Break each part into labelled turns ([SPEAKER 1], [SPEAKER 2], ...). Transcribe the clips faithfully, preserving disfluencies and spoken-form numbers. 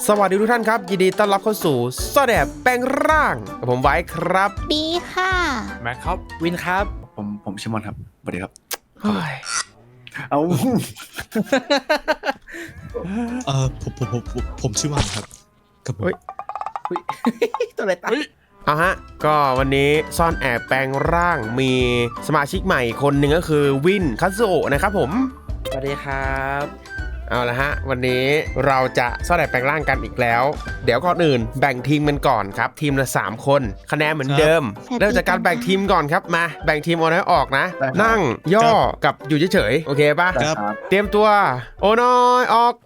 [SPEAKER 1] สวัสดีทุกท่านครับยินดีต้อนรับเข้าสู่ซ่อนแอบแปลงร่างกับผมไว้ครับ
[SPEAKER 2] บีค่ะ
[SPEAKER 3] แม็กครับ
[SPEAKER 4] วินครับ
[SPEAKER 5] ผมผมชิมอนครับสวัสดีครับ
[SPEAKER 1] เอา
[SPEAKER 6] เออผมผมผมผมผมชื่อวันครับกับผม
[SPEAKER 4] ตัวอะไรตั้ง
[SPEAKER 1] เอาฮะก็วันนี้ซ่อนแอบแปลงร่างมีสมาชิกใหม่คนหนึ่งก็คือวินคัตสึโอะนะครับผม
[SPEAKER 4] สวัสดีครับ
[SPEAKER 1] เอาละฮะวันนี้เราจะซ่อนแอบแปลงร่างกันอีกแล้วเดี๋ยวก่อนอื่นแบ่งทีมกันก่อนครับทีมละสามคนคะแนนเหมือนเดิมเริ่มจากการแบ่งทีมก่อนครับมาแบ่งทีมโอน้อยออกนะนั่งย่อกับอยู่เฉยๆโอเคป่ะเตรียมตัวโอน้อยออก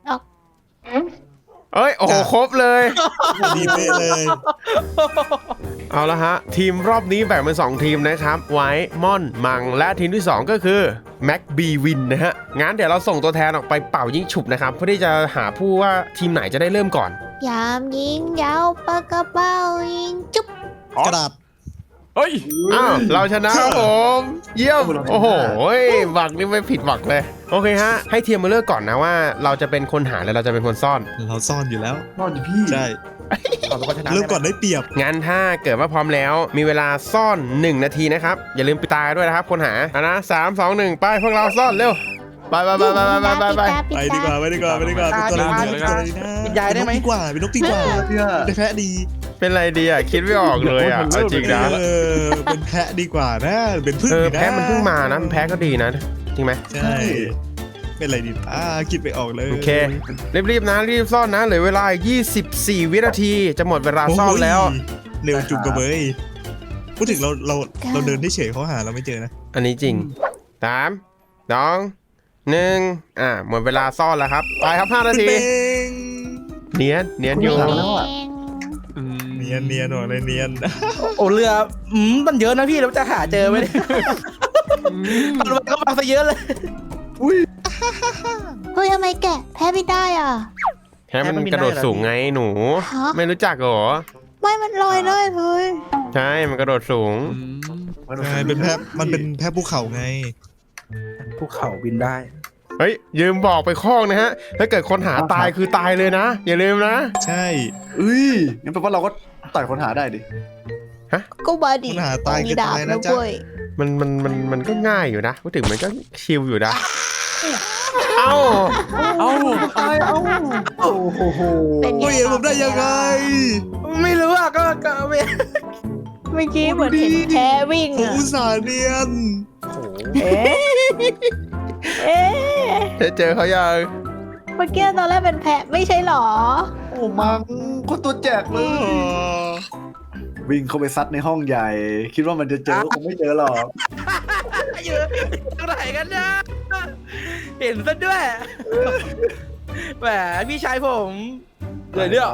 [SPEAKER 1] เอ้ยโอ้โหครบเลย
[SPEAKER 6] ดีเป๊ะเลย
[SPEAKER 1] เอาละฮะทีมรอบนี้แบ่งเป็นสองทีมนะครับไว้ม่อนมังและทีมที่สองก็คือแม็กบีวินนะฮะงั้นเดี๋ยวเราส่งตัวแทนออกไปเป่ายิงฉุบนะครับเพื่อที่จะหาผู้ว่าทีมไหนจะได้เริ่มก่อน
[SPEAKER 2] ยามยิงยาวปากกระเป๋ายิงจุ๊บ
[SPEAKER 6] กระดาษ
[SPEAKER 3] เฮ้ย
[SPEAKER 1] อ้าวเราชนะครับผมเยี่ยมโอ้โหหวังนี่ไม่ผิดหวังเลยโอเคฮะให้ทีมมาเลือกก่อนนะว่าเราจะเป็นคนหาแล้วเราจะเป็นคนซ่อน
[SPEAKER 6] เราซ่อนอยู่แล้ว
[SPEAKER 5] ซ่อนอยู่พี่
[SPEAKER 6] ใช่เริ่มก่อนได้เปรียบ
[SPEAKER 1] งั้นถ้าเกิดว่าพร้อมแล้วมีเวลาซ่อนหนึ่งนาทีนะครับอย่าลืมปิดตาด้วยนะครับคนหาอ่ะนะสามสองหนึ่งไปพวกเราซ่อนเร็วไปไปไปไปไปไปไป
[SPEAKER 6] ไปดีกว่าไปดีกว่าไปดีกว่าเป็นตัวอะไรเป็นตัวอะไรนะ
[SPEAKER 4] เป็นยายได้ไหม
[SPEAKER 6] ดีกว่าเป็นนกดีกว่าได้แพะดี
[SPEAKER 1] เป็นอะไรดีอ่ะคิดไม่ออกเลยอ่ะเอาจริงนะ
[SPEAKER 6] เออเป็นแพะดีกว่านะเป็นพึ่งนะ
[SPEAKER 1] แพะมันเพิ่งมานะแพะก็ดีนะจริงไหม
[SPEAKER 6] ใช่เป็นอะไรดีอ่าคิดไปออกเลย
[SPEAKER 1] โอเครีบๆนะรีบซ่อนนะเหลือเวลายี่สิบสี่วินาทีจะหมดเวลาซ่อนแล้ว
[SPEAKER 6] เร็วจุกกระเบยพูดถึงเราเราเราเดินได้เฉยเขาหาเราไม่เจอนะ
[SPEAKER 1] อันนี้จริงสามสองหนึ่งอ่าหมดเวลาซ่อนแล้วครับไปครับห้านาทีเนียนเนียนอยู่
[SPEAKER 6] เนียนเนียนหน่อยเลยเนียน
[SPEAKER 4] โอ้เรืออืมมันเยอะนะพี่เราจะหาเจอไหมมันมันก็มาซะเยอะเลย
[SPEAKER 2] อุ้ยเฮ้ยทำไมแกะแพ้ไม่ได้อ่ะ
[SPEAKER 1] แพ้มันกระโดดสูงไงหนูไม่รู้จักเหรอ
[SPEAKER 2] ไม่มันลอยเลยเฮ้ย
[SPEAKER 1] ใช่มันกระโดดสูง
[SPEAKER 6] ใช่เป็นแพะมันเป็นแพะภูเขาไง
[SPEAKER 4] ภูเขาบินได้
[SPEAKER 1] เฮ้ยยืมบอกไปข้องนะฮะถ้าเกิดคนหาตายคือตายเลยนะอย่าลืมนะ
[SPEAKER 6] ใช่
[SPEAKER 5] เอ้ยงั้นแปลว่าเราก็ต่อยคนหาได้ดิ
[SPEAKER 1] ฮะ
[SPEAKER 2] ก็บาดี
[SPEAKER 6] คนหาตายก็ตายนะจ๊ะ
[SPEAKER 1] มันมันมันมันก็ง่ายอยู่นะพูดถึงมันก็ชิลอยู่นะเอ้า
[SPEAKER 4] เอ้า
[SPEAKER 5] ตายเอ้าโอ้โห
[SPEAKER 6] เป็นไงผมได้ยังไง
[SPEAKER 4] ไม่รู้อ่ะก็ก็ไม่
[SPEAKER 2] เมื่อกี้เหมือนเห็นแพ้วิ่ง
[SPEAKER 6] ผมอุตส่าห์เนียน
[SPEAKER 2] เอ๊ะเอ๊ะ
[SPEAKER 1] เจอเขายัง
[SPEAKER 2] เมื่อกี้ตอนแรกเป็นแพะไม่ใช่หรอ
[SPEAKER 5] โอ้มังคนตัวแจกเลยวิ่งเข้าไปซัดในห้องใหญ่คิดว่ามันจะเจอคงไม่เจอหรอก
[SPEAKER 4] อยู่ตรงไหนกันนะเห็นซะด้วยแหมพี่ชายผมเลยเนี่ย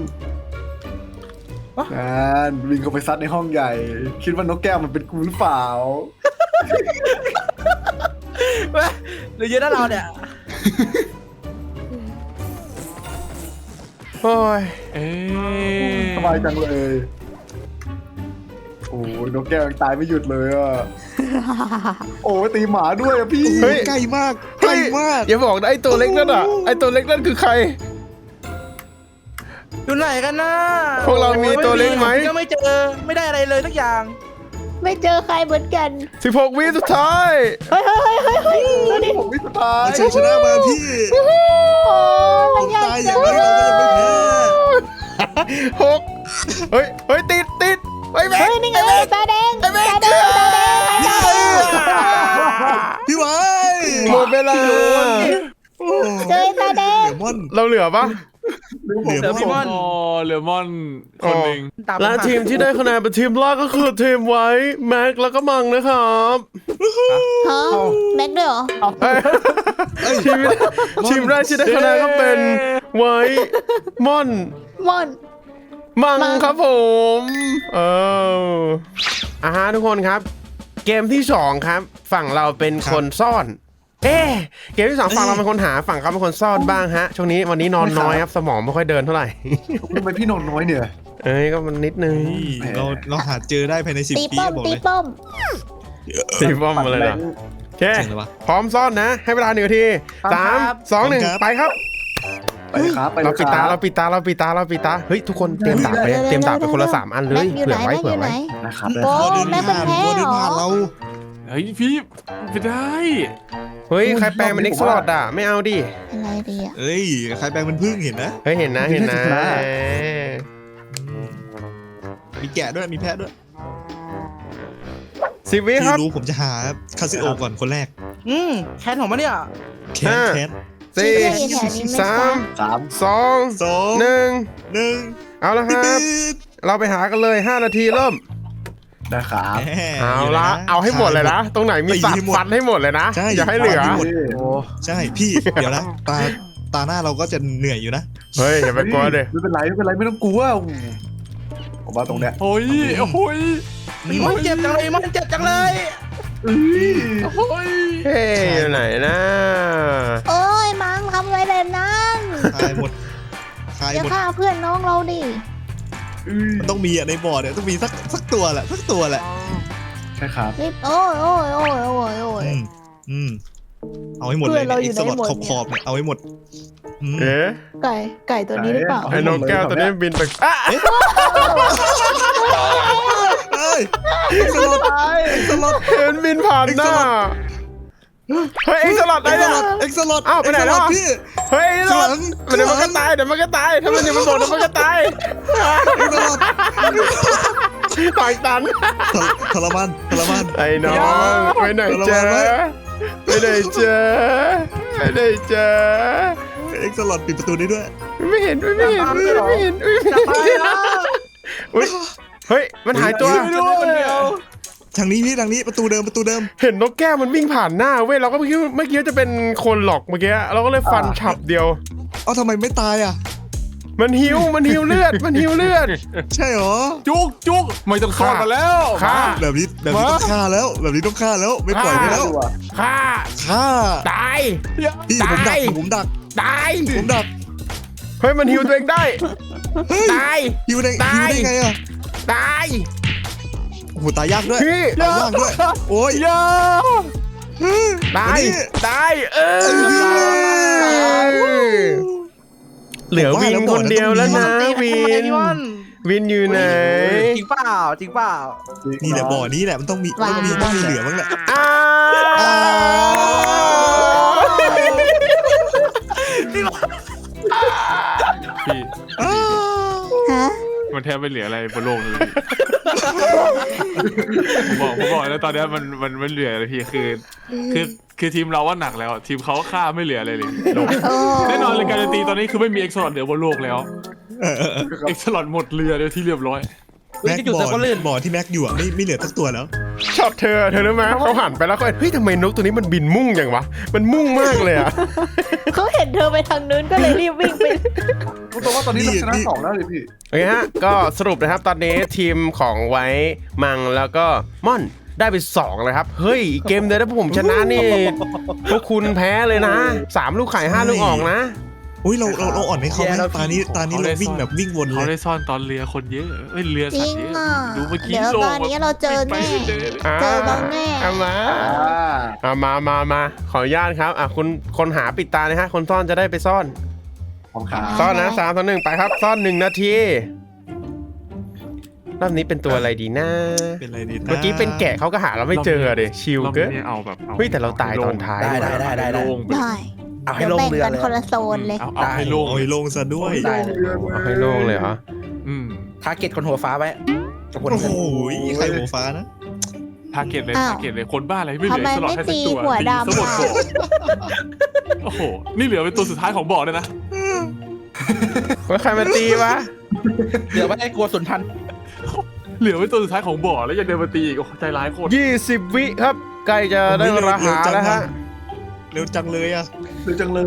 [SPEAKER 5] งานวิ่งเข้าไปซัดในห้องใหญ่คิดว่านกแก้วมันเป็นกูหรือเปล่า
[SPEAKER 4] หรือเยอะนะเราเนี่ย
[SPEAKER 1] โอ้ย
[SPEAKER 5] สบายจังเลยโอ้ยนกแก้วยังตายไม่หยุดเลยอ่ะโอ้ยตีหมาด้วยอ่ะพี่
[SPEAKER 6] เฮ้ยใกล้มากใกล้มาก
[SPEAKER 1] อย่าบอกนะไอตัวเล็กนั่นอ่ะไอตัวเล็กนั่นคือใคร
[SPEAKER 4] อยู่ไหนกันนะ
[SPEAKER 1] พวกเรามีตัวเล็กไหม
[SPEAKER 4] ก็ไม่เจอไม่ได้อะไรเลยสักอย่าง
[SPEAKER 2] ไม่เจอใครเหมือนกัน
[SPEAKER 1] สิบหกวิสุดท้าย
[SPEAKER 2] เฮ้ยเฮ้ยเฮ้ยเฮ้ย
[SPEAKER 5] สิบหกวิสุดท้าย
[SPEAKER 6] ชัยชนะมาพี่ผมตายอย่างนี้เราก็ยังไม่แพ้
[SPEAKER 1] หกเฮ้ยเฮ้ยติดติด
[SPEAKER 2] เฮ้ยนี่ไงตาแดงตาแดงตาแดง
[SPEAKER 6] พี่ไว้
[SPEAKER 1] หมดเวลา
[SPEAKER 2] เจอตาแดง
[SPEAKER 1] เราเหลือปะ
[SPEAKER 6] เหลือ
[SPEAKER 3] พี่มอนเหลือมอนคนหนึ่ง
[SPEAKER 1] และทีมที่ได้คะแนนเป็นทีมแรกก็คือทีมไว้แม็กแล้วก็มังนะครับ
[SPEAKER 2] ฮะแม็กด้วยเหรอ
[SPEAKER 1] ทีมทีมแรกที่ได้คะแนนก็เป็นไว้ม่อน
[SPEAKER 2] ม่อน
[SPEAKER 1] มังครับผมเอออ่ะฮะทุกคนครับเกมที่สองครับฝั่งเราเป็นคนซ่อนเอ๊เกมที่สองฝั่งเราเป็นคนหาฝั่งเขาเป็นคนซ่อนบ้างฮะช่วงนี้วันนี้นอนน้อยครับสมองไม่ค่อยเดินเท่าไหร่
[SPEAKER 5] ทำไมพี่นอนน้อยเนี่ย
[SPEAKER 1] เอ้ยก็มันนิดนึง
[SPEAKER 6] เราเราหาเจอได้ภายในสิบปีบอกเลย
[SPEAKER 2] ตีป้อม
[SPEAKER 1] ตีป้อมอะไรล่ะโอเคพร้อมซ่อนนะให้เวลาหนึ่งนาทีสามสองหนึ่งไปครับ
[SPEAKER 5] ไปเลยครับไปเลย
[SPEAKER 1] เรา
[SPEAKER 5] ค
[SPEAKER 1] ปิดตา
[SPEAKER 5] รั
[SPEAKER 1] เรา
[SPEAKER 5] บ
[SPEAKER 1] ปิดตาเราปิดตาเราปิดตาเฮ้ยทุกคนเตรียมดาบไปเตรียมดาบไปคนละสามอันเลย
[SPEAKER 2] แม็กอยู่
[SPEAKER 1] เผื่
[SPEAKER 2] ไหน
[SPEAKER 1] อไว้
[SPEAKER 2] แม็กอ
[SPEAKER 1] เผื่อยู่
[SPEAKER 2] ไหน
[SPEAKER 1] ไว้
[SPEAKER 5] นะครับ
[SPEAKER 2] โอ้
[SPEAKER 6] วอเดิน
[SPEAKER 2] แม่เป็น
[SPEAKER 6] ผ่าน
[SPEAKER 2] แพ้
[SPEAKER 6] วอเดิน
[SPEAKER 2] เหรอ
[SPEAKER 6] ผ่านเรา
[SPEAKER 3] เฮ้ยพี่ไม่ได้
[SPEAKER 1] เฮ้ยใครแปลงเป็นเอ็กซ์ลอดอ่ะไม่เอาดิ
[SPEAKER 2] อะไรดีอ่ะ
[SPEAKER 6] เอ้ยใครแปลงเป็นพึ่งเห็นนะ
[SPEAKER 1] เฮ้ยเห็นนะเห็นนะ
[SPEAKER 6] มีแกะด้วยมีแพะด้วย
[SPEAKER 1] สิบวิ
[SPEAKER 6] พี่
[SPEAKER 1] ครับ
[SPEAKER 6] รู้ผมจะหาคาซิโอก่อนคนแรก
[SPEAKER 4] อืมแคนของมันเนี่ย
[SPEAKER 6] แคนแคน
[SPEAKER 1] สี่
[SPEAKER 2] ที่แถวนี้ไม่
[SPEAKER 1] สาม
[SPEAKER 5] สาม
[SPEAKER 1] สอง
[SPEAKER 6] สอง
[SPEAKER 1] หนึ่ง
[SPEAKER 6] หนึ่ง
[SPEAKER 1] เอาละครับ เราไปหากันเลยห้านาทีเริ่ม
[SPEAKER 5] นะครับ
[SPEAKER 1] เอาละเอาให้หมดเลยนะ ตรงไหนมีสัตว์ฟันให้หมดเลยนะ อย่าให้เหลือ
[SPEAKER 4] โอ้
[SPEAKER 6] ใช่พี่เดี๋ยวนะตาตาหน้าเราก็จะเหนื่อยอยู่นะ
[SPEAKER 1] เฮ้ยอย่าไปกลัวเลย
[SPEAKER 5] ไม่เป็นไรไม่เป็นไรไม่ต้องกลัวผมว่าตรงเนี้ย
[SPEAKER 3] โอ้ยโอ้ย
[SPEAKER 4] มันเจ็บจังเลยมันเจ็บจังเลย
[SPEAKER 3] โอ้ย
[SPEAKER 1] เฮ้ยอยู่ไหนนะ
[SPEAKER 2] โอ้ยมังทำอะไรแบบนั้น
[SPEAKER 6] คายหมดคาย
[SPEAKER 2] อย่า
[SPEAKER 6] หมด
[SPEAKER 2] ฆ่าเพื่อนน้องเราดิ
[SPEAKER 6] มันต้องมีอะในบ่อเนี่ยต้องมีสักสักตัวแหละสักตัวแหละ
[SPEAKER 5] ใช่ครับ
[SPEAKER 2] รีบโอ้ยโอ้ยโอ้ยโอ้ยโอ้ย
[SPEAKER 6] อืมอืมเอาให้หมดเลย
[SPEAKER 2] เพื่อนเรา
[SPEAKER 6] เนี่ย
[SPEAKER 2] อยู่
[SPEAKER 6] ไอ้สลอด
[SPEAKER 2] ไหนหมด
[SPEAKER 6] ขอบ
[SPEAKER 2] เนี่ย
[SPEAKER 6] ขอบๆเนี่ยเอาให้หมดอืม
[SPEAKER 1] เอ๊ะ
[SPEAKER 2] ไก่ไก่ตัวนี้หรือเปล่า
[SPEAKER 5] ไห
[SPEAKER 1] ไอ้นกแก้วตัวนี้บินไปอ่ะ
[SPEAKER 6] เอ้ยเอ็กซ์สลอดเอ็กซ์สลอด
[SPEAKER 1] เห็นบินผ่านหน้าเฮ้ยเอ็กซ์สลัด
[SPEAKER 6] เอ็
[SPEAKER 1] ได้
[SPEAKER 6] กซ์ส
[SPEAKER 1] เนี่ย
[SPEAKER 6] ลอดเอ็กซ์สลอด
[SPEAKER 1] อ้าวไปไหนแล้ว
[SPEAKER 6] เอ็กซ์สอดพี่
[SPEAKER 1] เฮ้ยเอ็กซ์สลัด
[SPEAKER 6] ข้างหลัง
[SPEAKER 1] เดี๋ยวมันก็ตายเดี๋ยวมันก็ตายถ้ามันยังมันโดดเดี๋ยวมันก็ตาย
[SPEAKER 6] เอ็กซ์สลอด
[SPEAKER 1] ปากตัน
[SPEAKER 6] ทรมานทรมาน
[SPEAKER 1] ไอ้น้องไปไหนเจอไปไหนเจอไปไหนเจอ
[SPEAKER 6] เอ็กซ์สลอดปิดประตูได้ด้วย
[SPEAKER 1] ไม่เห็นไม่เห็นไม่เห็นไม่เห็นอุ๊ยเฮ้ยมันหายตัว
[SPEAKER 6] ทางนี้พี่ทางนี้ประตูเดิมประตูเดิม
[SPEAKER 1] เห็นนกแก้วมันวิ่งผ่านหน้าเว้ยเราก็ไม่คิดไม่คิดว่าจะเป็นคนหรอกเมื่อกี้เราก็เลยฟันฉับเดียว
[SPEAKER 6] เอ้าทำไมไม่ตายอ่ะ
[SPEAKER 1] มันหิวมันหิวเลือดมันหิวเลือด
[SPEAKER 6] ใช่เหรอ
[SPEAKER 3] จุกจุกไม่ต้องซ่อนมาแล้ว
[SPEAKER 1] ฆ่า
[SPEAKER 6] แบบนี้แบบนี้ต้องฆ่าแล้ว แบบนี้ต้องฆ่าแล้วไม่ปล่อยไม่แล้ว
[SPEAKER 1] ฆ่า
[SPEAKER 6] ฆ่า
[SPEAKER 1] ตาย
[SPEAKER 6] พี่ผมดั
[SPEAKER 1] ตาก ย
[SPEAKER 6] ผมดัก
[SPEAKER 1] ตาย
[SPEAKER 6] ผมดัก
[SPEAKER 1] เฮ้ยมันหิวตัวเองได้
[SPEAKER 6] เฮ้ย
[SPEAKER 1] ตาย
[SPEAKER 6] หิวได้
[SPEAKER 1] ตาย
[SPEAKER 6] หิวได้ไงอ่ะ
[SPEAKER 1] ตาย
[SPEAKER 6] โอ้โหตายยากด้วย
[SPEAKER 1] พี่
[SPEAKER 6] ตายยากด้วยโอ้ย
[SPEAKER 3] อย่า
[SPEAKER 1] ตาย
[SPEAKER 6] วันนี้
[SPEAKER 1] ตายเออเหลือวินคนเดียวแล้วนะวิน
[SPEAKER 4] พี่วัน
[SPEAKER 1] วินอยู่ไหน
[SPEAKER 4] จริงเปล่าจริงเปล่า
[SPEAKER 6] นี่แหละบ่อนี้แหละมันต้องมีต้องมีต้องมีเหลือบ้างแหละ
[SPEAKER 1] อ้า
[SPEAKER 6] อ้าว
[SPEAKER 3] พี่
[SPEAKER 6] อ้าว
[SPEAKER 2] ฮะ
[SPEAKER 3] มันแทบไม่เหลืออะไรบนโลกเลยผมบอกผมบอกแล้วตอนเนี้ยมันมันมันเหลืออะไรพี่คือ คือคือทีมเราว่าหนักแล้ว ทีมเขาฆ่าไม่เหลืออะไรเลยโลก
[SPEAKER 2] โอ้
[SPEAKER 3] แน่นอนเลยการันตีตอนนี้คือไม่มีเอ็กซ์ลอดเหลือบนโลกแล้ว
[SPEAKER 6] เออเออเออ
[SPEAKER 3] เอ็กซ์ลอดหมดเรือเดียวที่เรียบร้อย
[SPEAKER 4] วิ่
[SPEAKER 6] แม็
[SPEAKER 4] ง
[SPEAKER 6] ก
[SPEAKER 4] จะอยู่
[SPEAKER 6] บ่
[SPEAKER 4] แต่ก็ลื่น
[SPEAKER 6] อบ่อที่แม็กอยู่อ่ะไม่ไม่เหลือสักตัวแล้ว
[SPEAKER 1] ชอบเธอเธอรู้ไหมเขาหันไปแล้วเขาเฮ้ยทำไมนกตัวนี้มันบินมุ่งอย่างวะมันมุ่งมากเลยอะ
[SPEAKER 2] เขาเห็นเธอไปทางนู้นก็เลยรีบวิ่งไป
[SPEAKER 5] ผมบอกว่าตอนนี้เราชนะสองแล้วเลยพี่
[SPEAKER 1] โอเคฮะก็สรุปนะครับตอนนี้ทีมของไว้มังแล้วก็ม่อนได้ไปสองเลยครับเฮ้ยอีกเกมเดียวถ้าพวกผมชนะนี่พวกคุณแพ้เลยนะสามลูกไข่ห้าลูกออกนะ
[SPEAKER 6] อุ้ยเราเราเราอ่อนให้เขาไหม
[SPEAKER 4] แย่แล้ว
[SPEAKER 6] ตานี้ตานี้
[SPEAKER 3] เขาได้
[SPEAKER 6] เราวิ่ง
[SPEAKER 3] ซ่อน
[SPEAKER 6] แบบวิ่งวนเล
[SPEAKER 3] เขา
[SPEAKER 6] ย
[SPEAKER 3] ได้ซ่อนตอนเรือคนเยอะเอ้ยเรือ
[SPEAKER 2] จ
[SPEAKER 3] สั
[SPEAKER 2] ริ
[SPEAKER 3] ต
[SPEAKER 2] ง
[SPEAKER 3] ว์เยอะ
[SPEAKER 2] อ่ะ
[SPEAKER 3] ดูเมื่อกี้
[SPEAKER 2] เดี๋ยว
[SPEAKER 3] โล
[SPEAKER 2] ตอนนี้เราเจอ
[SPEAKER 3] ไป
[SPEAKER 2] แน่
[SPEAKER 3] ไม่เจอเลย
[SPEAKER 1] อ่า
[SPEAKER 2] เจอบ้างแน่
[SPEAKER 1] เอามา
[SPEAKER 5] อ่า
[SPEAKER 1] เอามามามาขออนุญาตครับอ่ะคุณคนหาปิดตาเลยฮะคนซ่อนจะได้ไปซ่อน
[SPEAKER 5] ของขา
[SPEAKER 1] ซ่อนนะสามสองหนึ่งไปครับ ซ่อนหนึ่งนาทีรอบนี้เป็นตัวอะไรดีนะ
[SPEAKER 6] เป็นอะไรดีนะ
[SPEAKER 1] เมื่อกี้เป็นแกะเขาก็หาเราไม่เจอเดยชิล
[SPEAKER 3] รอบ
[SPEAKER 1] เกิน
[SPEAKER 3] นี้เอาแบบอา
[SPEAKER 1] เฮ้ยแต่เราตายตอนท้าย
[SPEAKER 4] ได้ได้ได้ได้ได้
[SPEAKER 3] โล่งไป
[SPEAKER 2] ได้
[SPEAKER 4] เอาให้
[SPEAKER 2] เดี๋ยว
[SPEAKER 4] ลง
[SPEAKER 2] แบ่ง
[SPEAKER 4] เรือ
[SPEAKER 2] กัน
[SPEAKER 4] เลย
[SPEAKER 2] คนละโซนเลย
[SPEAKER 3] เอาเอาให้โล่ง
[SPEAKER 6] โอ้ยลงซะด้วย
[SPEAKER 4] ได้เลย
[SPEAKER 1] เอาให้โล่งเลยเหรอ
[SPEAKER 3] อืม
[SPEAKER 4] ทาร์เก็ตคนหัวฟ้าไว้กับคน
[SPEAKER 6] โอ้
[SPEAKER 4] เงิ
[SPEAKER 6] โห
[SPEAKER 4] น
[SPEAKER 6] ใครหัวฟ้านะ
[SPEAKER 3] ทาร์เก็ตเลย
[SPEAKER 2] อ้าว
[SPEAKER 3] ทาร์เก็ตเลยคนบ้าอะไรไม่เหลือ
[SPEAKER 2] ทำไม
[SPEAKER 3] สล็อต
[SPEAKER 2] ไม่
[SPEAKER 3] ให้สัก
[SPEAKER 2] ตี
[SPEAKER 3] ตัว
[SPEAKER 2] หัวดำ
[SPEAKER 3] ตีซะหมด
[SPEAKER 2] อ่ะ
[SPEAKER 3] บ่อโอ้โหนี่เหลือเป็นตัวสุดท้ายของบ่อเลยนะ
[SPEAKER 1] ว่าใครมาตีวะ
[SPEAKER 4] เดี๋ยวไว้ให้กลัวสุนทัน
[SPEAKER 3] เหลือเป็นตัวสุดท้ายของบ่อแล้วยังเดินมาตีอีกโอ้โหใจร้ายโคตร
[SPEAKER 1] ยี่สิบวิครับใกล้จะได้เวลาหาแล้วฮะ
[SPEAKER 6] เร็วจังเลยอ่ะ
[SPEAKER 5] เร็วจังเลย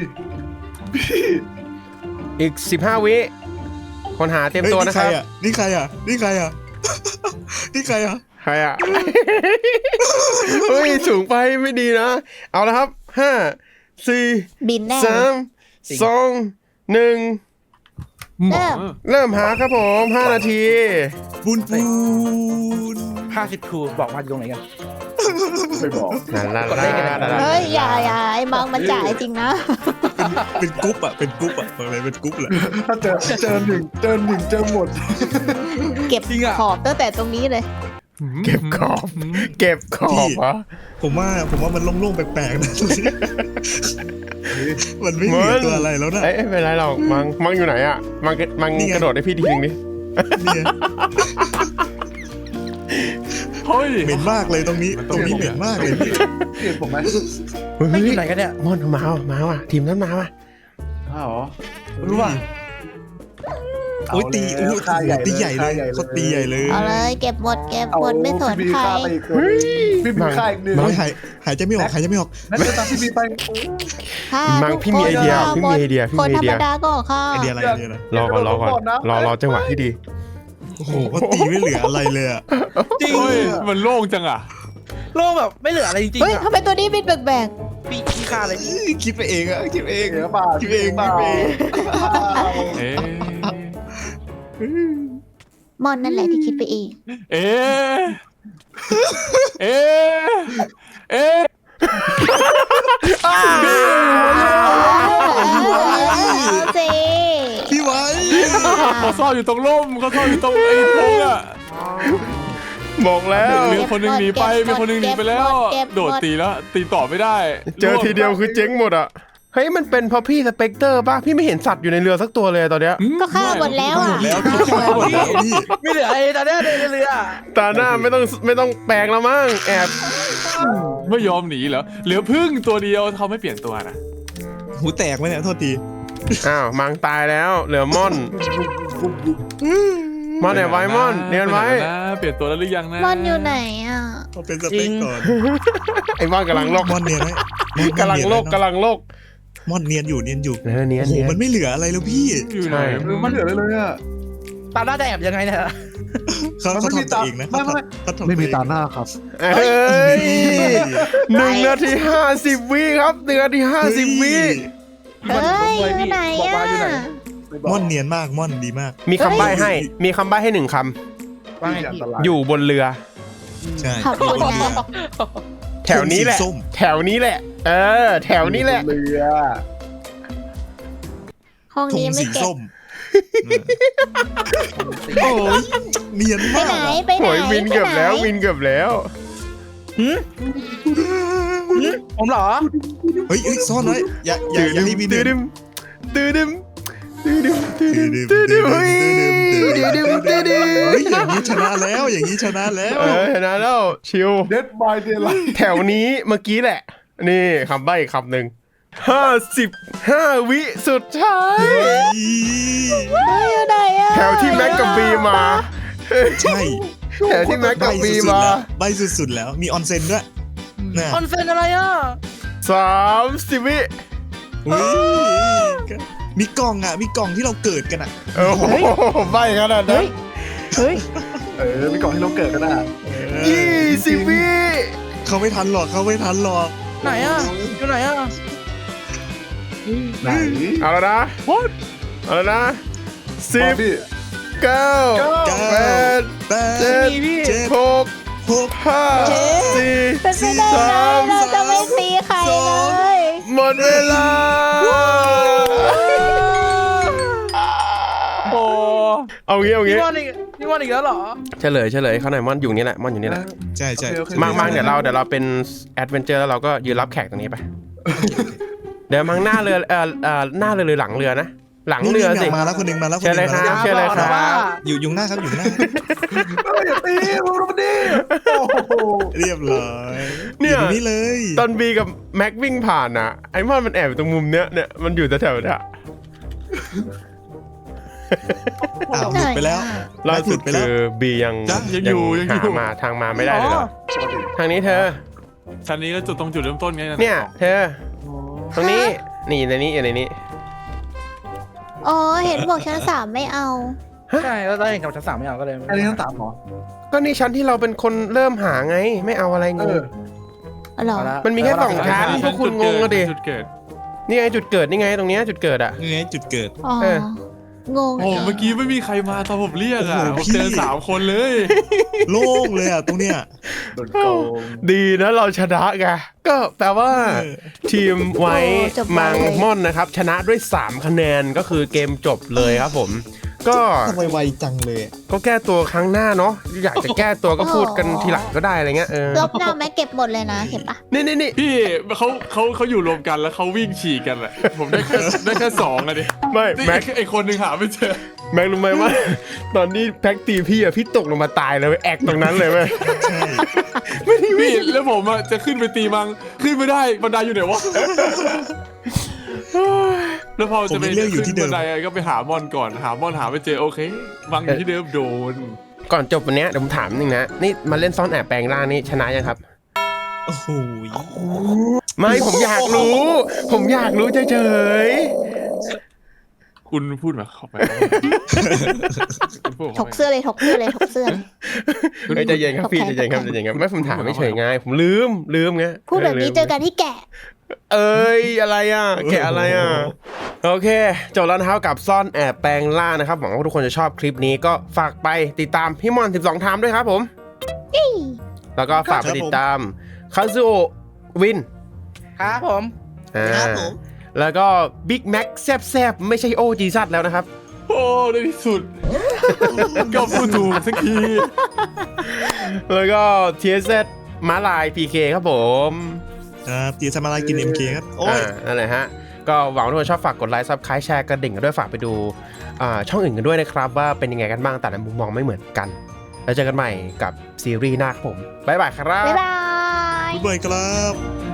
[SPEAKER 1] อีกสิบห้าวิคนหาเตรียม
[SPEAKER 6] ฮ้
[SPEAKER 1] ตัวนะครับ
[SPEAKER 6] นี่ใครอ่ะนี่ใครอ่ะนี่ใครอ่ะ
[SPEAKER 1] ใครอ่ะ เฮ้ยสูงไปไม่ดีนะ เอาละครับห้าสี่
[SPEAKER 2] บินแน่
[SPEAKER 1] สามสองหนึ่ง
[SPEAKER 3] หมอ
[SPEAKER 1] เริ่มหาครับผมห้านาที
[SPEAKER 6] ปูนปูน
[SPEAKER 4] ห้าสิบทูบอกมาอยู่ตรงไหนกัน
[SPEAKER 5] ไม่บอก
[SPEAKER 1] ลาลาลาลา
[SPEAKER 2] เฮ้ยอย่าอย่าไอ้มังมันจ่ายจริงนะ
[SPEAKER 6] เป็นกรุ๊ปอะเป็นกรุ๊ปอะบอกเลยเป็นกรุ๊ปแหละ
[SPEAKER 5] ถ้าเจอเจอหนึ่งเจอหนึ่งเจอหมด
[SPEAKER 2] เก็บขอบตั้งแต่ตรงนี้เลย
[SPEAKER 1] เก็บขอบ เก็บขอบเหรอ
[SPEAKER 6] ผมว่าผมว่ามันโล่งๆแปลกๆนะมันไม่เหลือตัวอะไรแล้วนะ
[SPEAKER 1] เอ้ยไม่เป็นไรหรอกมังมังอยู่ไหนอ่ะมังกระมัง
[SPEAKER 6] นี่ไง
[SPEAKER 1] กระโดดให้พี่ทีนึงดิ
[SPEAKER 6] เนี่ย
[SPEAKER 3] เฮ้ย
[SPEAKER 6] เหม็นมากเลยตรงนี้ตรงนี้เหม็นมากเลยพี่
[SPEAKER 5] เห็นผมไหม
[SPEAKER 1] เฮ้ย
[SPEAKER 4] ไม่อยู่ไหนกันเนี่ย
[SPEAKER 1] มอนมาว่ะมาว่ะทีมนั้นมาว่ะ
[SPEAKER 5] อ้าวเหรอรู้ป่ะ
[SPEAKER 6] โอ้ยตีโอ้ย
[SPEAKER 5] ค่าใหญ่
[SPEAKER 6] ตีใหญ่เลย
[SPEAKER 5] ค่
[SPEAKER 6] เขาตีใหญ่เลย
[SPEAKER 2] เอาเลยเก็บหมดเก็บหมดไม่สน
[SPEAKER 5] พี่บี
[SPEAKER 2] ใคร
[SPEAKER 5] ฆ่าไปอีกคนพี่บีฆ่าอีกหนึ่ง
[SPEAKER 6] โอ้ยหายหายใจไม่ออกหายใจไม่ออก
[SPEAKER 5] นั่นจะตามพี่บีไป
[SPEAKER 2] ค่ะ
[SPEAKER 1] มัง
[SPEAKER 2] ทุก
[SPEAKER 1] พี่มีไอเดีย
[SPEAKER 2] คน
[SPEAKER 1] พี่มีไอเดียพี่
[SPEAKER 2] คน
[SPEAKER 1] มีไอ
[SPEAKER 2] ธร
[SPEAKER 1] เดี
[SPEAKER 2] ร
[SPEAKER 1] ย
[SPEAKER 2] มดาก็ค่ะ
[SPEAKER 6] ไอเดียอะไรไอเดียอะไร
[SPEAKER 1] รอก่อนรอก่อนรอรอจังหวะที่ดี
[SPEAKER 6] โอ้โหเขาตีไม่เหลืออะไรเลยอะ
[SPEAKER 4] จริง
[SPEAKER 3] เฮ้ยมันโล่งจังอ่ะ
[SPEAKER 4] โลกแบบไม่เหลืออะไรจริง
[SPEAKER 2] เฮ้ย
[SPEAKER 4] ๆอ่ะ
[SPEAKER 2] ทำไมตัวนี้บินแปลก
[SPEAKER 4] พี่พี่ฆ่าอะไรนี่
[SPEAKER 6] คิดไปเองอะคิดไปเอง
[SPEAKER 5] เอ๋ป่า
[SPEAKER 6] คิดไปเอง
[SPEAKER 5] ป่า
[SPEAKER 6] คิดไปเอง
[SPEAKER 3] เอ๊ะ
[SPEAKER 2] ๆมอนนั่นแหละที่คิดไปเอง
[SPEAKER 3] เอ๊ะเอ๊ะเอ๊ะ
[SPEAKER 2] เอาสิ
[SPEAKER 6] พี่ไว้
[SPEAKER 3] เขาซ่อนอยู่ตรงร่มเขาซ่อนอยู่ตรงไอ้ธงอ่ะ
[SPEAKER 1] บอกแล้ว
[SPEAKER 3] มีคนหนึงหนีไปมีคนหนึงหนีไปแล้ว โดดตีแล้วตีต่อไม่ได้
[SPEAKER 1] เจอทีเดียวคือเจ๊งหมดอ่ะเฮ้ยมันเป็นเพราะพี่สเปกเตอร์ป่ะพี่ไม่เห็นสัตว์อยู่ในเรือสักตัวเลยตอนเนี้ย
[SPEAKER 2] ก็ฆ่าหมดแล้ว
[SPEAKER 6] หม
[SPEAKER 2] อ่ะ
[SPEAKER 6] ดแล้วพี่ฆ่าหมดแล้วพี่
[SPEAKER 4] ไม่เหลืออะไรตอนเนี้ยในเรือ
[SPEAKER 1] ตาหน้าไม่ต้องไม่ต้องแปลงแล้วมั้งแอบ
[SPEAKER 3] ไม่ยอมหนีเหรอเหลือพึ่งตัวเดียวเขาไม่เปลี่ยนตัวนะ
[SPEAKER 6] หูแตกไหมเนี่ยโทษที
[SPEAKER 1] อ้าวมังตายแล้วเหลือม่อนม่อนแอบไว้ม่อนเนียนไว้
[SPEAKER 3] นะเปลี่ยนตัวแล้วหรือยังนะ
[SPEAKER 2] มอนอยู่ไหนอ่ะ
[SPEAKER 6] เขาเป็นสเปคก่อน
[SPEAKER 1] ไอ้ม่อนกำลังโลก
[SPEAKER 6] มอนเนียนไหมมอน
[SPEAKER 1] กำลังโลก
[SPEAKER 6] เนียนไหม
[SPEAKER 1] กำลังโลก
[SPEAKER 6] มอนเนียนอยู่เนียนอยู่
[SPEAKER 1] เออเนียน
[SPEAKER 6] โอ้โห
[SPEAKER 1] เนียน
[SPEAKER 6] มันไม่เหลืออะไรแล้วพี่
[SPEAKER 3] อยู่ไหน
[SPEAKER 1] ใช่
[SPEAKER 5] เออมันเหลือเลยเลยอ่ะ
[SPEAKER 4] ตามหน้าจะแอบยังไงเนี่ย
[SPEAKER 6] เขา
[SPEAKER 5] มัน
[SPEAKER 6] เขา
[SPEAKER 5] ไม่มี
[SPEAKER 6] ทำตัว
[SPEAKER 5] ตา
[SPEAKER 6] เองนะ
[SPEAKER 5] ไม่ไม่
[SPEAKER 6] เขาทำ
[SPEAKER 5] ไม่มี
[SPEAKER 6] ตัวเอง
[SPEAKER 5] ตาหน้าครับ
[SPEAKER 1] เอ้ยหนึ่งนาทีห้าสิบวิครับหนึ่งนาทีห้าสิบวิ
[SPEAKER 2] เฮ้ยอยู่ไหน
[SPEAKER 4] บอก
[SPEAKER 2] อ่ะ
[SPEAKER 4] ว่าอยู่ไหน
[SPEAKER 5] ไม่บอก
[SPEAKER 6] ม่อนเนียนมากม่อนดีมาก
[SPEAKER 1] มีคำใบ้ให้ มีคำใบ้ให้หนึ่งค
[SPEAKER 4] ว่าไง
[SPEAKER 5] อัน
[SPEAKER 4] พี่
[SPEAKER 5] ตราย
[SPEAKER 1] ำอยู่บนเรือ
[SPEAKER 6] ใช่
[SPEAKER 2] ขอบคุณนะ
[SPEAKER 1] แถวนี้แหละ
[SPEAKER 6] ส้ม
[SPEAKER 1] แถวนี้แหละ เออ แถวนี้แหละ
[SPEAKER 5] เรือ
[SPEAKER 2] ห้อง
[SPEAKER 6] ธง
[SPEAKER 2] นี้ไม่
[SPEAKER 6] สี
[SPEAKER 2] เก็บ
[SPEAKER 6] ส้มโอ้ยเนียน
[SPEAKER 2] ไป
[SPEAKER 6] มาก
[SPEAKER 2] ไหน
[SPEAKER 6] อะ
[SPEAKER 2] ไปไหน
[SPEAKER 1] โหยวินเกือบแล้ว
[SPEAKER 2] ไปไหน
[SPEAKER 1] วินเกือบแล้ว
[SPEAKER 4] ผมเหรอ
[SPEAKER 6] เฮ้ยเฮ้ยซ่อนไว้อย่าอย่าอย่าให้มีเดิ
[SPEAKER 1] ตื้
[SPEAKER 6] น
[SPEAKER 1] อดืมตื้อดืมตื้อดืมตื้อดืมตื้อดืมเฮ้ยตื้อดืมตื้อดืม
[SPEAKER 6] เฮ้ยอย่างนี้ชนะแล้วอย่างนี้ชนะแล้ว
[SPEAKER 1] เออชนะแล้วชิว
[SPEAKER 5] เด็ดบายเดลไลท์
[SPEAKER 1] แถวนี้เมื่อกี้แหละ นี่คำใบ้อีกคำหนึ่งห้าสิบห้าวิสุดท้าย
[SPEAKER 2] เฮ้ยอยู่ไหนอ่ะ
[SPEAKER 1] แถวที่แม็กกับบีมา
[SPEAKER 6] ใช่
[SPEAKER 1] แถวที่แม็ก
[SPEAKER 6] ใบ
[SPEAKER 1] กับบี
[SPEAKER 6] สุดๆ
[SPEAKER 1] มา
[SPEAKER 6] แล้วใบสุดๆแล้วมีออนเซ็นด้วยน่ะ
[SPEAKER 4] คอนเซนอะไรอ่ะ
[SPEAKER 1] สามสิบวิ
[SPEAKER 6] อุ๊ยมีกล่องอ่ะมีกล่องที่เราเกิดกันอ่ะ
[SPEAKER 1] โอ้โหใบ้ขนาดนั้น
[SPEAKER 2] เฮ้ย
[SPEAKER 5] เออไม่ก่อนให้เราเกิดก็ได้
[SPEAKER 1] ยี่สิบวิ
[SPEAKER 6] เขาไม่ทันหรอกเขาไม่ทันหรอก
[SPEAKER 4] ไหนอ่ะอยู่ไหนอ่ะ
[SPEAKER 5] ไหน
[SPEAKER 1] เอาแล้วนะเอาแล้วนะสิบ
[SPEAKER 5] พี่
[SPEAKER 1] เก้า
[SPEAKER 6] เก้า
[SPEAKER 1] แปด
[SPEAKER 6] แปด
[SPEAKER 1] เจ็ด
[SPEAKER 6] เจ็ด
[SPEAKER 1] หก
[SPEAKER 6] หก
[SPEAKER 1] ห้าสี่
[SPEAKER 2] เป็นไปได้ไงเราจะไม่ตีใครเลย
[SPEAKER 1] หมดเวลา
[SPEAKER 3] โอ้
[SPEAKER 1] เอางี้เอา
[SPEAKER 4] พี่
[SPEAKER 1] งี้
[SPEAKER 4] มอนอีกพี่มอนอีกแล้วเหรอ
[SPEAKER 1] เฉลยเฉลยเขาหน่อยมอนอยู่นี่แหละมอนอยู่นี่แหละ
[SPEAKER 6] ใช่ใช่
[SPEAKER 5] โอเคโอเค
[SPEAKER 1] มังมังเดี๋ยวเราเดี๋ยวเราเป็นแอดเวนเจอร์แล้วเราก็ยืนรับแขกตรงนี้ไป เดี๋ยวมังหน้าเรือเอ่อเอ่อหน้าเรือหรือหลังเรือนะ หลังเรือสิ
[SPEAKER 6] นี่มาแล้วคนหนึ่งมาแล้วคนห
[SPEAKER 1] เชิญเล
[SPEAKER 6] นึ่
[SPEAKER 1] ย
[SPEAKER 6] ง
[SPEAKER 1] ค
[SPEAKER 6] มา
[SPEAKER 1] รับ
[SPEAKER 6] แล้ว
[SPEAKER 1] เชิญเลยครับ
[SPEAKER 4] ว่า
[SPEAKER 6] อยู่อยู่หน้าครับอยู่หน้า
[SPEAKER 5] อย่าตีมึงรู้มันดิโอ้โห
[SPEAKER 6] เรียบร้อย
[SPEAKER 1] เนี่ย
[SPEAKER 6] อนี่เลย
[SPEAKER 1] ตอนบีกับแม็กวิ่งผ่านอ่ะไอ้มอนมันแอบอยู่ตรงมุมเนี้ยเนี่ยมันอยู่แถวๆเนี้ย
[SPEAKER 6] อ้าวหลุดไปแล้ว
[SPEAKER 1] ล่าสุด
[SPEAKER 6] ไปแล้ว
[SPEAKER 1] คือบียัง
[SPEAKER 3] จ้ะยังอยู่ยังอยู่
[SPEAKER 1] หามาทางมาไม่ได้เลยเหรอทางนี้เธอ
[SPEAKER 3] ชั้นนี้ก็จุดตรงจุดเริ่มต้นไง
[SPEAKER 1] เนี่ย เธอ ตรงนี้นี่ในนี้อยู่ในนี้
[SPEAKER 2] อ๋อเห็นบอกชั้นสามไม่เอา
[SPEAKER 4] ใช่แล้วเราเห็นกับชั้นสามไม่เอาก็เลย
[SPEAKER 5] อันนี้ทั้งสามเหรอ
[SPEAKER 1] ก็นี่ชั้นที่เราเป็นคนเริ่มหาไง ไม่เอาอะไร
[SPEAKER 5] เอง
[SPEAKER 1] ง
[SPEAKER 5] อ
[SPEAKER 2] เหรอ
[SPEAKER 4] เอาละ
[SPEAKER 1] มันมีแค่สองชั้น พวกคุณงงอะดิ
[SPEAKER 3] จุดเกิด
[SPEAKER 1] นี่ไงจุดเกิดนี่ไงตรงเนี้ยจุดเกิดอ่ะ
[SPEAKER 6] นี่ไงจุดเกิด
[SPEAKER 2] อ๋อ
[SPEAKER 1] เออ
[SPEAKER 2] งง
[SPEAKER 3] โอ้เมื่อกี้ไม่มีใครมาตอนผมเรียกอ่ะผมเจอสามคนเลย
[SPEAKER 6] โล่งเลยอ่ะตรงเนี้ย
[SPEAKER 5] โดนโกง
[SPEAKER 1] ดีนะเราชนะไงก็แปลว่า
[SPEAKER 6] เออ
[SPEAKER 1] ทีมไว้มังม่อนนะครับ ชนะด้วยสามคะแนนก็คือเกมจบเลยครับผม ก็
[SPEAKER 6] ทำไมไวจังเลย
[SPEAKER 1] ก็แก้ตัวครั้งหน้าเนาะอยากจะแก้ตัวก็พูดกันทีหลังก็ได้อะไรเงี้ยเออ
[SPEAKER 2] ลบหน้าไหมเก็บหมดเลยนะเห็นปะ
[SPEAKER 1] นี่นี่นี่
[SPEAKER 3] พี่เขาเขาเขาอยู่รวมกันแล้วเขาวิ่งฉีกกันแหละผมได้แค่ได้แค่สองอะดิ
[SPEAKER 1] ไม่
[SPEAKER 3] นี่
[SPEAKER 1] แม็ก
[SPEAKER 3] ไอคนหนึ่งหาไม่เจอ
[SPEAKER 1] แม็กรู้ไหมว่า ตอนนี้แพ็กตีพี่อะพี่ตกลงมาตายเลยเว้ยแอกตรงนั้นเลยเว้ย
[SPEAKER 6] ใช่
[SPEAKER 3] พี่แล้วผมอะจะขึ้นไปตีมังขึ้นไม่ได้บันไดอยู่ไหนวะแล้วพอจะไปขึ้นบันไดก็ไปหามอนก่อนหามอนหาไม่เจอโอเคมังอยู่ที่เดิมโดน
[SPEAKER 1] ก่อนจบวันเนี้ยเดี๋ยวผมถามหนึ่งนะนี่มาเล่นซ่อนแอบแปลงร่างนี่ชนะยังครับ
[SPEAKER 6] โอ้โห
[SPEAKER 1] ไม่ผมอยากรู้ ผมอยากรู้เฉย
[SPEAKER 3] คุณพูดมาเข้าไปคุณพูด
[SPEAKER 2] ถ
[SPEAKER 3] เข้าก ไป
[SPEAKER 2] เสื้อเลยถกเสื้อเลยถกเสื้อเลย
[SPEAKER 1] ๆเฮ้ยใจเย็นครับพี่ใจเย็นครับใจเย็นครับไม่ผมถามไม่เฉยไงผมลืมลืมไง
[SPEAKER 2] พูดแบบนี้เจอกันที่แกะ
[SPEAKER 1] เอ้ยอะไรอ่ะแกะอะไรอ่ะโอเคจบแล้วนะครับกับซ่อนแอบแปลงร่างนะครับหวังว่าทุกคนจะชอบคลิปนี้ก็ฝากไปติดตามพี่มอนสิบสองไทม์ด้วยครับผมแล้วก็ฝากไปติดตามคาซูโอวิน
[SPEAKER 4] ครับผม
[SPEAKER 1] อ่า
[SPEAKER 6] ครับผม
[SPEAKER 1] แล้วก็บิ๊กแม็กแซบๆ ไม่ใช่โอจีซัดแล้วนะครับ
[SPEAKER 3] โอ้ในที่สุดก็พูดถูกสักที
[SPEAKER 1] แล้วก็ ที เอส เอส ม้าลาย พี เค ครับผม
[SPEAKER 6] ครับตีสมาลายกิน เอ็ม เค ครับโอ้ย
[SPEAKER 1] อ่านั่นแหละฮะ ก็หวังว่าทุกคนชอบฝากกดไลค์ซับสไครต์แชร์กระดิ่งกันด้วยฝากไปดูอ่าช่องอื่นกันด้วยนะครับ ว่าเป็นยังไงกันบ้างแต่ละมุมมองไม่เหมือนกัน แล้วเจอกันใหม่กับซีรีส์หน้าครับผมบ๊ายบายครับ
[SPEAKER 2] บ๊ายบาย
[SPEAKER 6] บ๊ายบายครับ